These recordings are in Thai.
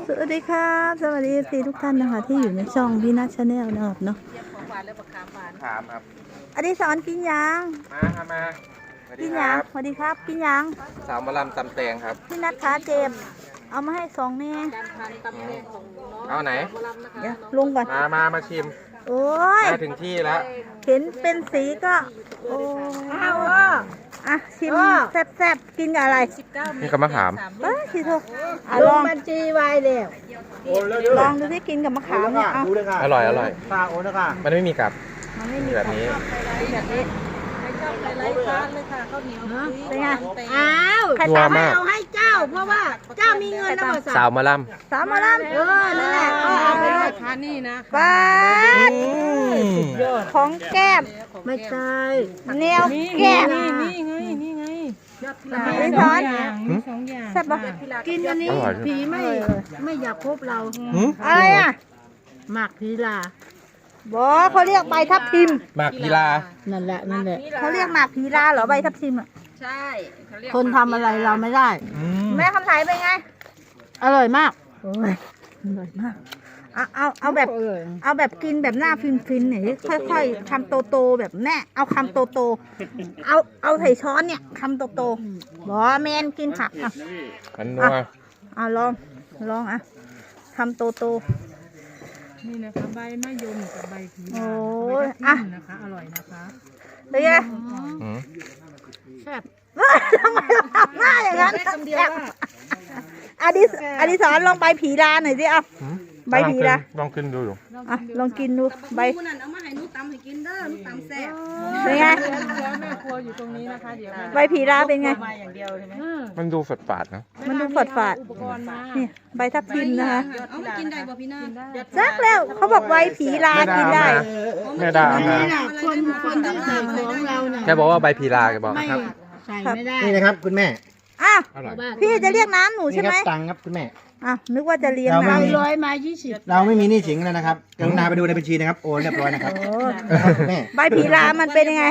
สวัสดีครับสวัสดีทุกท่านนะคะที่อยู่ในช่องพี่นัทชาแนลนะครับเนาะถามครับอดิศรกินยังมากินยังสวัสดีครับกินยังสาวมะลำตำแตงครับพี่นัทขาเจ็บเอามาให้2นี่เอาไหนเดี๋ยวลงก่อนมาชิมโอ้ยมาถึงที่แล้วเห็นเป็นสีก็โอ้เอาชิมแซ่บๆกินกับอะไรนี่กับมะขามชิโทลงบัญชีไว้แล้วลองดูที่กินกับมะขามเนี่ยอร่อยค่ะโอ้นะค่ะมันไม่มีกับมันไม่มีแบบนี้เป็นไงอ้าวใครตามให้เอาให้เจ้าเพราะว่าเจ้ามีเงินนะสาวมะลำนั่นแหละก็เอาไปเลยค่ะนี่นะป้าของแก้มไม่ใช่แนวแก้มนี่ไงไม่ช้อนแซ่บปะกินอันนี้ผีไม่อยากพบเราอะไรอ่ะหมากผีลาบอกเขาเรียกใบทับทิมหมากพีลานั่นแหละเขาเรียกหมากผีลาเหรอใบทับทิมอ่ะใช่คนทำอะไรเราไม่ได้แม่คำไถ่เป็นไงอร่อยมากอร่อยมากเอาแบบกินแบบหน้าฟินหน่อยค่อยๆคำโตๆแบบแม่เอาคำโตๆเอาใส่ช้อนเนี่ยคำโตๆบอกแมนกินผักอ่ะมันนัวลองอ่ะคำโตนี่นะคะใบมะยมกับใบผีลานะคะอร่อยนะคะเป็นไงแซ่บทำไมทำหน้าอย่างนั้นแซ่บอดิศรลองใบผีลาหน่อยสิใบผีลาลองกินดูลองกินดูใบเอามาให้นุ๊กตำให้กินเด้อนุ๊กตำแซ่บเป็นไงแม่ครัวอยู่ตรงนี้นะคะเดี๋ยวใบผีลาเป็นไงมาอย่างเดียวใช่ไหมมันดูฝาดๆนะมันดูฝาดนี่ใบทับทิมนะคะเอามากินได้บ่พี่นาจักแล้วเขาบอกใบผีลากินได้แม่ดาคนต้องใส่ของเราเนี่ยแกบอกว่าใบพีลาแกบอกครับใส่ไม่ได้นี่นะครับคุณแม่พี่จะเรียกน้ำหนูใช่ไหมตังครับคุณแม่นึกว่าจะเลี้ยงน้ำ100มา20 เราไม่มีหนี้สินแล้วนะครับกรุณาไปดูในบัญชีนะครับโอนเรียบร้อยนะครับแม่ใบผีลามันเป็นยังไง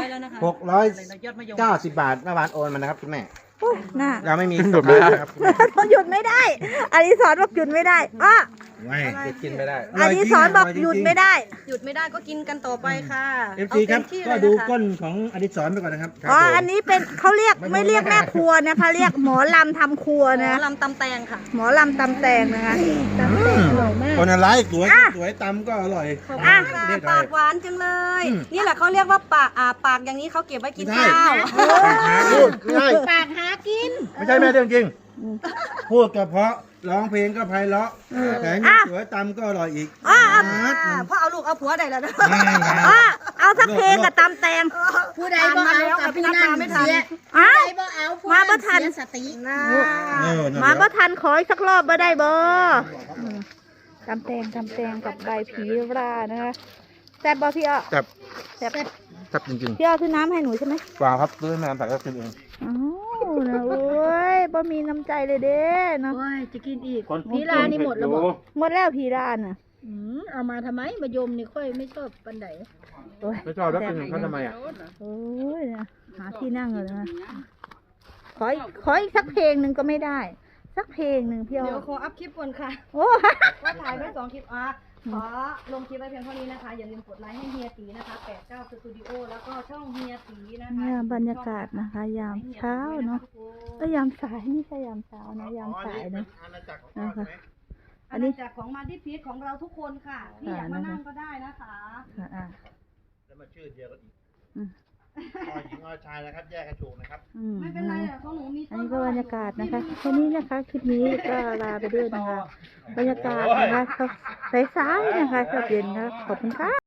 690 บาทเมื่อวานโอนมานะครับคุณแม่เราไม่มีหยุดไม่ได้ครับหยุดไม่ได้อดิศรบอกหยุดไม่ได้ไม่กินไม่ได้อดิศรบอกหยุดไม่ได้ก็กินกันต่อไปค่ะ FC ครับก็ดูก้นของอดิศรไปก่อนนะครับอันนี้เป็นเขาเรียกไม่เรียกแม่ครัวนะคะเรียกหมอลำทำครัวนะหมอลำตำแตงค่ะหมอลำตำแตงนะคะตำแตงอร่อยมากคนอะไรสวยตำก็อร่อยปากหวานจังเลยนี่แหละเขาเรียกว่าปากอย่างนี้เขาเก็บไว้กินข้าวปากหากินไม่ใช่แม่เรื่องจริงพูดก็เพราะร้องเพลงก็ไพเราะแต่นี่สวยตำก็อร่อยอีกเพราะเอาลูกเอาผัวได้แล้วนะเอาสักเพลงกับตำแตงผู้ใดบ่เอากับพี่นัทไม่ทันมาบ่ทันสติมาบ่ทันขออีกสักรอบบ่ได้บ่ตำแตงกับใบผีรานะคะแซ่บบ่พี่แซ่บจริงๆพี่ซื้อน้ำให้หนูใช่ไหมเปล่าครับซื้อน้ำแต่ก็กินเองนะโอ้ยบ่มีน้ำใจเลยเด้เนาะจะกินอีกผีลานี่หมดแล้วหมดแล้วผีลาน่ะเอามาทำไมมายมนี่ค่อยไม่ชอบปันไดไม่ชอบแล้วกินเขาทำไมโอ้ยหาที่นั่งเลยนะขออีกสักเพลงหนึ่งก็ไม่ได้สักเพลงหนึ่งพี่เดี๋ยวขออัพคลิปก่อนค่ะว่าถ่ายไว้2 คลิปขอลงคลิปไว้เพียงเท่านี้นะคะอย่าลืมกดไลค์ให้เฮียตีนะคะ89สตูดิโอแล้วก็ช่องเฮียตีนะคะบรรยากาศนะคะยามเช้าเนาะยามสายไม่ใช่ยามเช้านะยามสายนะนะคะอันนี้จากของมาดิพีชของเราทุกคนค่ะที่อยากมานั่งก็ได้นะคะแล้วมาชื่อเดียวกันอีกหญิงชายนะครับแยกกระชูนะครับไม่เป็นไรของหนูมีอันนี้ก็บรรยากาศนะคะแค่นี้นะคะคลิปนี้ก็ลาไปด้วยนะคะบรรยากาศนะคะสายๆนะคะเย็นนะขอบคุณค่ะ